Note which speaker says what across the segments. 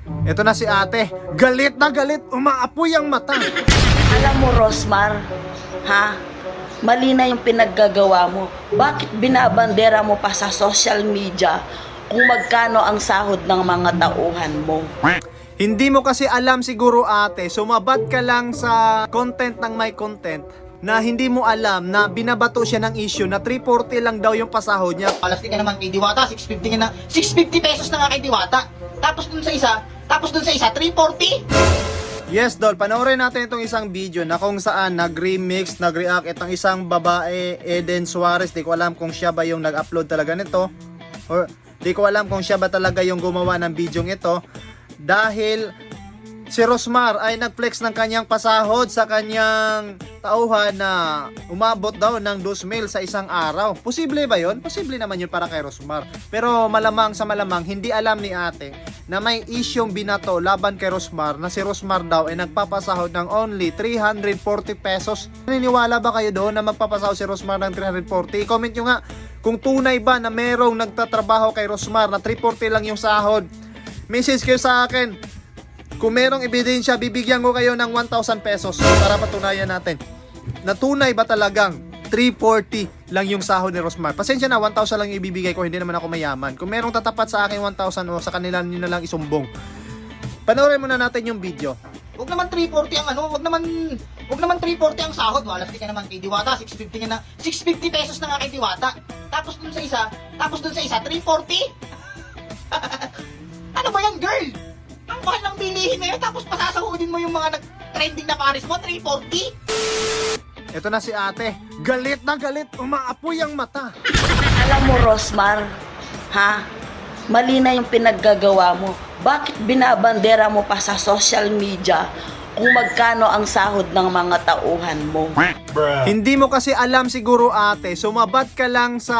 Speaker 1: Ito na si ate. Galit na galit. Umaapoy ang mata.
Speaker 2: Alam mo, Rosmar, ha? Mali na yung pinaggagawa mo. Bakit binabandera mo pa sa social media kung magkano ang sahod ng mga tauhan mo?
Speaker 1: Hindi mo kasi alam siguro ate. Sumabad ka lang sa content ng may content na hindi mo alam na binabato siya ng issue na 340 lang daw yung pasahod niya.
Speaker 3: Palastik ka naman kay Diwata, 650 nga na, 650 pesos na nga kay Diwata. Tapos dun sa isa, 340.
Speaker 1: Yes, Dol, panoorin natin itong isang video na kung saan nag-remix, nag-react itong isang babae, Eden Suarez. Di ko alam kung siya ba yung nag-upload talaga nito. Or di ko alam kung siya ba talaga yung gumawa ng video ito. Dahil si Rosmar ay nag-flex ng kanyang pasahod sa kanyang tauhan na umabot daw ng 2,000 sa isang araw. Posible ba yon? Posible naman yun para kay Rosmar. Pero malamang sa malamang, hindi alam ni ate na may isyong binato laban kay Rosmar na si Rosmar daw ay nagpapasahod ng only 340 pesos. Naniniwala ba kayo doon na magpapasahod si Rosmar ng 340? I-comment nyo nga kung tunay ba na merong nagtatrabaho kay Rosmar na 340 lang yung sahod. Message kayo sa akin. Kung merong ebidensya, bibigyan ko kayo ng 1,000 pesos para patunayan natin na tunay ba talagang 340 lang yung sahod ni Rosmar. Pasensya na, 1,000 lang yung ibibigay ko, hindi naman ako mayaman. Kung merong tatapat sa akin 1,000 o sa kanila nyo na lang isumbong. Panoorin muna natin yung video.
Speaker 3: Huwag naman 340 ang ano, wag naman 340 ang sahod. Palastik ka naman kay Diwata, 650 nga na, 650 pesos na nga kay Diwata. Tapos dun sa isa, 340. Ano ba yan, girl? Ang mahal ng bilihin na yun, tapos pasasahodin mo yung mga nag-trending na pares mo, 340?
Speaker 1: Ito na si ate. Galit na galit. Umaapoy ang mata.
Speaker 2: Alam mo, Rosmar, ha? Mali na yung pinaggagawa mo. Bakit binabandera mo pa sa social media kung magkano ang sahod ng mga tauhan mo?
Speaker 1: Hindi mo kasi alam siguro ate. Sumabad ka lang sa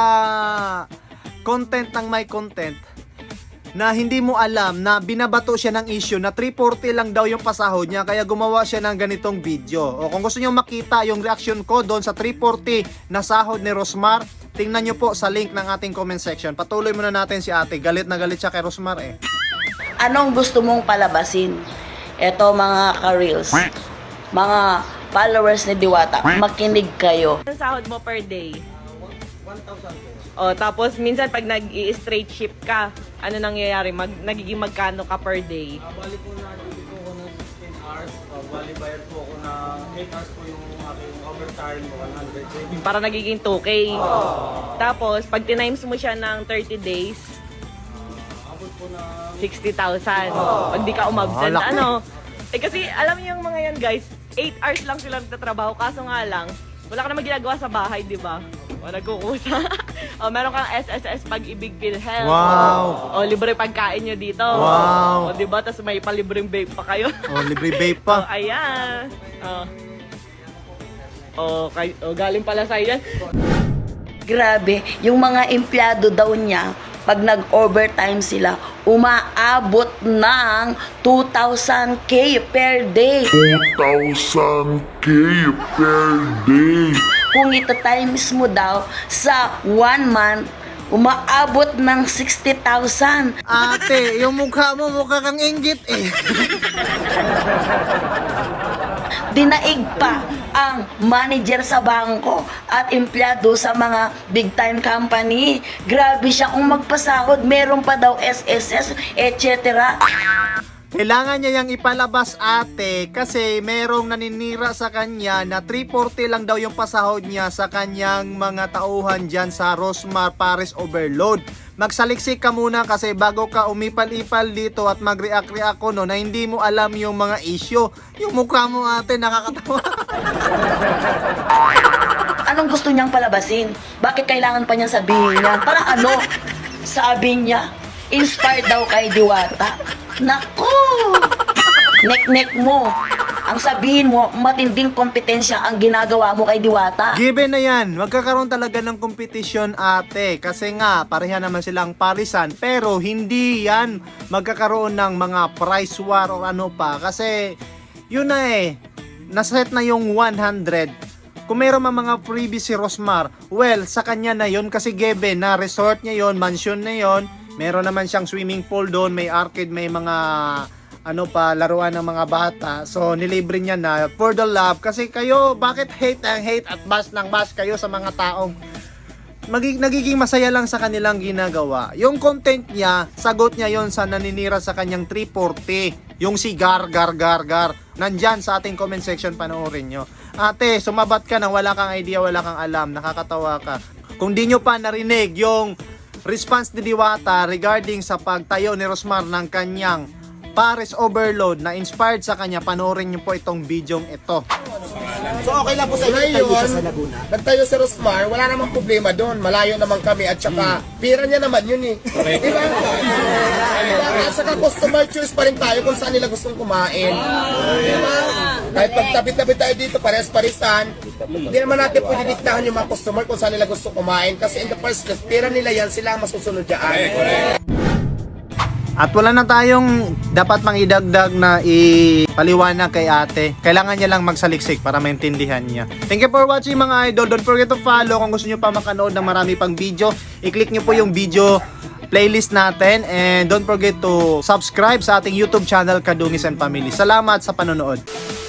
Speaker 1: content ng may content na hindi mo alam na binabato siya ng issue na 340 lang daw yung pasahod niya, kaya gumawa siya ng ganitong video. O kung gusto niyo makita yung reaction ko doon sa 340 na sahod ni Rosmar, tingnan niyo po sa link ng ating comment section. Patuloy muna natin si ate. Galit na galit siya kay Rosmar eh.
Speaker 2: Anong gusto mong palabasin? Eto mga ka-reels, mga followers ni Diwata, makinig kayo.
Speaker 4: Ang sahod mo per day? 1,000 O, tapos minsan pag nag-i-straight shift ka, ano nangyayari? Nagiging magkano ka per day?
Speaker 5: Bali po na duty po ako ng 16 hours. Bali bayad po ako na 8 hours po yung aking overtime, 100.
Speaker 4: Para nagiging 2K. Tapos, pag tinimes mo siya ng 30 days,
Speaker 5: Abot po na
Speaker 4: 60,000. Pag di ka umabsent,
Speaker 1: laki.
Speaker 4: ano? Eh kasi, alam niyo yung mga yan guys, 8 hours lang sila nagtatrabaho. Kaso nga lang, wala ka naman ginagawa sa bahay, di ba? O, nagkukusa. O, meron kang SSS Pag-ibig PhilHealth.
Speaker 1: Wow.
Speaker 4: O, libre pagkain nyo dito.
Speaker 1: Wow.
Speaker 4: O, di ba? Tapos may palibreng vape pa kayo.
Speaker 1: Oh, libre vape
Speaker 4: O,
Speaker 1: pa.
Speaker 4: ayan. O, galing pala sa'yo yan.
Speaker 2: Grabe, yung mga empleyado daw niya, pag nag-overtime sila, umaabot ng 2,000K per day.
Speaker 6: 2,000K per day.
Speaker 2: Kung ito times mo daw sa 1 month, umaabot ng 60,000.
Speaker 1: Ate, yung mukha mo, mukha kang inggit eh.
Speaker 2: Dinaig pa ang manager sa bangko at empleyado sa mga big time company. Grabe siya kung magpasahod, meron pa daw SSS, etc.
Speaker 1: Kailangan niya yung ipalabas ate kasi merong naninira sa kanya na 340 lang daw yung pasahod niya sa kanyang mga tauhan dyan sa Rosmar Pares Overload. Magsaliksik ka muna kasi bago ka umipal-ipal dito at mag-react-react ko no, na hindi mo alam yung mga issue. Yung mukha mo ate nakakatawa.
Speaker 2: Anong gusto niyang palabasin? Bakit kailangan pa niyang sabihin yan? Para ano? Sabi niya, inspired daw kay Diwata. Naku! Nek-nek mo. Ang sabihin mo, matinding kompetensya ang ginagawa mo kay Diwata.
Speaker 1: Given na yan, magkakaroon talaga ng kompetisyon ate. Kasi nga, pareha naman silang parisan. Pero hindi yan magkakaroon ng mga price war o ano pa. Kasi yun na eh, naset na yung 100. Kung meron mga freebies si Rosmar, well, sa kanya na yun kasi given na resort niya yon, mansion na yon, Meron naman siyang swimming pool doon, may arcade, may mga ano pa, laruan ng mga bata. So, nilibre niya na for the love. Kasi kayo, bakit hate ang hate at bash ng bash kayo sa mga taong nagiging masaya lang sa kanilang ginagawa. Yung content niya, sagot niya yon sa naninira sa kanyang 340. Yung si Gar. Nandyan sa ating comment section, panoorin nyo. Ate, sumabat ka na wala kang idea, wala kang alam, nakakatawa ka. Kung di nyo pa narinig yung response ni Diwata regarding sa pagtayo ni Rosmar ng kanyang Paris Overload na inspired sa kanya, panoorin nyo po itong videong ito.
Speaker 3: So okay lang po sa inyo tayo siya sa Laguna.
Speaker 7: Nagtayo si Rosmar, wala namang problema doon. Malayo naman kami at saka pira niya naman yun eh. Diba? At saka customer choice pa rin tayo kung saan nila gustong kumain. Diba? Kahit pagtapit-tapit tayo dito, pares-parisan, hindi naman natin pwede diktahan yung mga customer kung saan nila gusto kumain. Kasi in the first place, pira nila yan, sila ang masusunod dyan.
Speaker 1: At wala na tayong dapat mang idagdag na ipaliwanag kay ate. Kailangan niya lang magsaliksik para maintindihan niya. Thank you for watching mga idol. Don't forget to follow. Kung gusto niyo pa makanood ng marami pang video, i-click niyo po yung video playlist natin. And don't forget to subscribe sa ating YouTube channel, Kadungis and Family. Salamat sa panonood.